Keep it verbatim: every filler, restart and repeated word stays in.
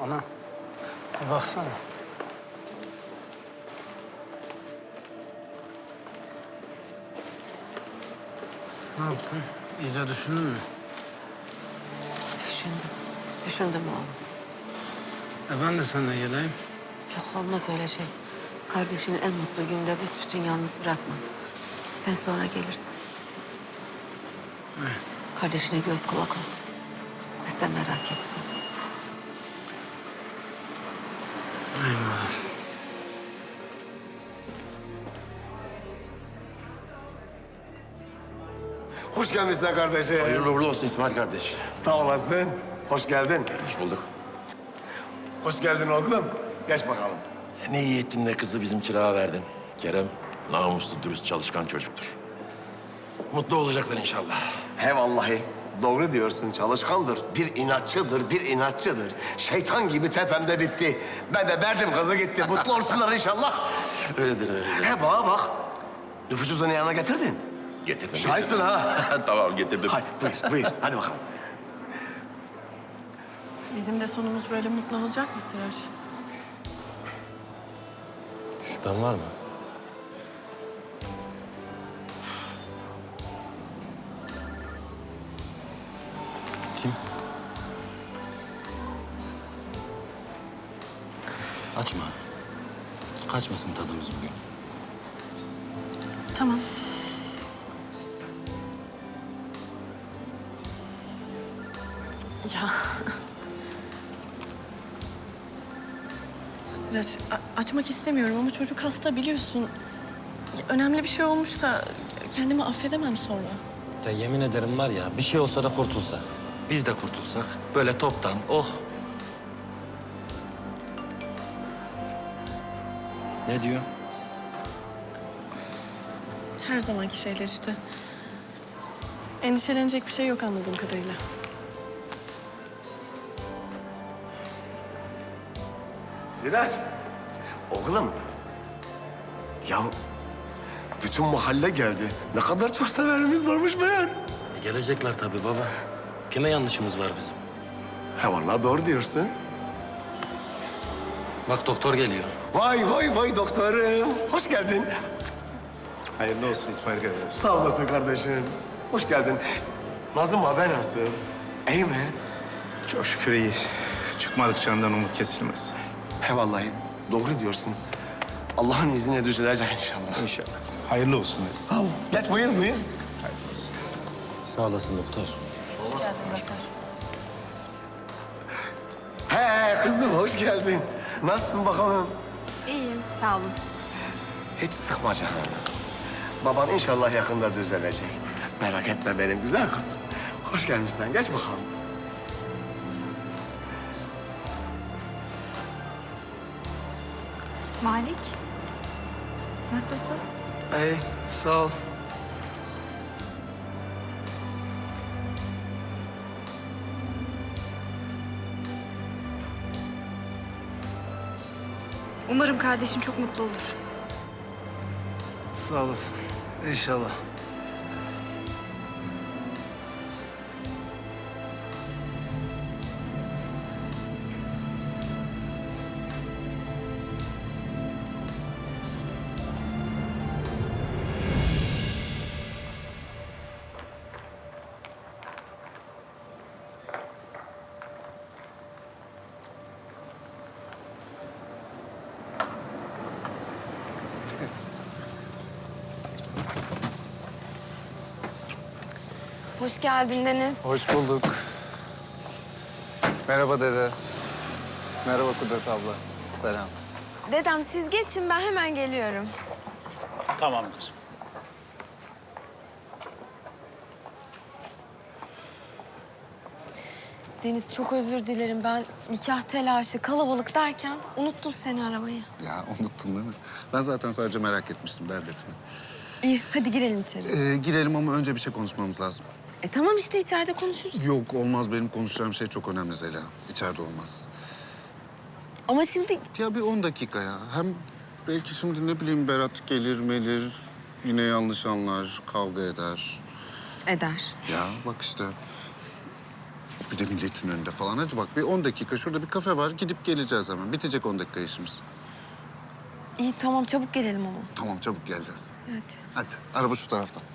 Ana, bir baksana. Ne yaptın? İyice düşündün mü? Düşündüm. Düşündüm oğlum. E ben de seninle geleyim. Yok olmaz öyle şey. Kardeşini en mutlu günde büsbütün yalnız bırakma. Sen sonra gelirsin. Evet. Kardeşine göz kulak ol. Biz de merak etme. Eyvallah. Hoş gelmişsin kardeşim. Hayırlı uğurlu olsun İsmail kardeş. Sağ olasın. Hoş geldin. Hoş bulduk. Hoş geldin oğlum. Geç bakalım. Ne iyi ettin de kızı bizim çırağa verdin. Kerem namuslu, dürüst, çalışkan çocuktur. Mutlu olacaklar inşallah. He vallahi. Doğru diyorsun, çalışkandır. Bir inatçıdır, bir inatçıdır. Şeytan gibi tepemde bitti. Ben de verdim kızı gitti. Mutlu olsunlar inşallah. Öyledir, öyledir. He bana bak. Nüfus cüzdanı yanına getirdin. Getirdim. Şahitsin ha. Tamam, getirdim. Hadi buyur, buyur. Hadi bakalım. Bizim de sonumuz böyle mutlu olacak mı Sıraç? Şüphen var mı? Kim? Açma. Kaçmasın tadımız bugün. Tamam. Ya. Sıraç, a- açmak istemiyorum ama çocuk hasta biliyorsun. Ya, önemli bir şey olmuşsa kendimi affedemem sonra. Ya yemin ederim var ya bir şey olsa da kurtulsa. Biz de kurtulsak böyle toptan oh. Ne diyor? Her zamanki şeyler işte. Endişelenecek bir şey yok anladığım kadarıyla. Sirac. Oğlum. Ya bütün mahalle geldi. Ne kadar çok severimiz varmış meğer. E, gelecekler tabii baba. Kime yanlışımız var bizim? He vallahi doğru diyorsun. Bak doktor geliyor. Vay vay vay doktorum. Hoş geldin. Hayırlı olsun İsmail kardeş. Sağ olasın kardeşim. Hoş geldin. Nazım haber nasıl? İyi mi? Çok şükür iyi. Çıkmadık candan umut kesilmez. He vallahi doğru diyorsun. Allah'ın izniyle düzelecek inşallah. İnşallah. Hayırlı olsun. Sağ ol. Geç buyur buyur. Hayırlı olsun. Sağ olasın doktor. Hoş geldin doktor. He kızım hoş geldin. Nasılsın bakalım? İyiyim, sağ olun. Hiç sıkma canını. Baban inşallah yakında düzelecek. Merak etme benim güzel kızım. Hoş gelmişsin. Geç bakalım. Malik, nasılsın? İyi, sağ ol. Umarım kardeşin çok mutlu olur. Sağ olasın. İnşallah. Hoş geldin Deniz. Hoş bulduk. Merhaba dede. Merhaba Kudret abla. Selam. Dedem siz geçin, ben hemen geliyorum. Tamamdır. Deniz çok özür dilerim. Ben nikah telaşı, kalabalık derken unuttum seni aramayı. Ya unuttun değil mi? Ben zaten sadece merak etmiştim, dert etme. İyi, hadi girelim içeri. Ee, girelim ama önce bir şey konuşmamız lazım. E tamam işte içeride konuşuruz. Yok olmaz, benim konuşacağım şey çok önemli Zeliha. İçeride olmaz. Ama şimdi Ya bir on dakika ya. Hem belki şimdi ne bileyim Berat gelir melir, yine yanlış anlar, kavga eder. eder. Ya bak işte. Bir de milletin önünde falan. Hadi bak bir on dakika şurada bir kafe var. Gidip geleceğiz hemen. Bitecek on dakika işimiz. İyi tamam çabuk gelelim ama. Tamam çabuk geleceğiz. Hadi. Hadi araba şu taraftan.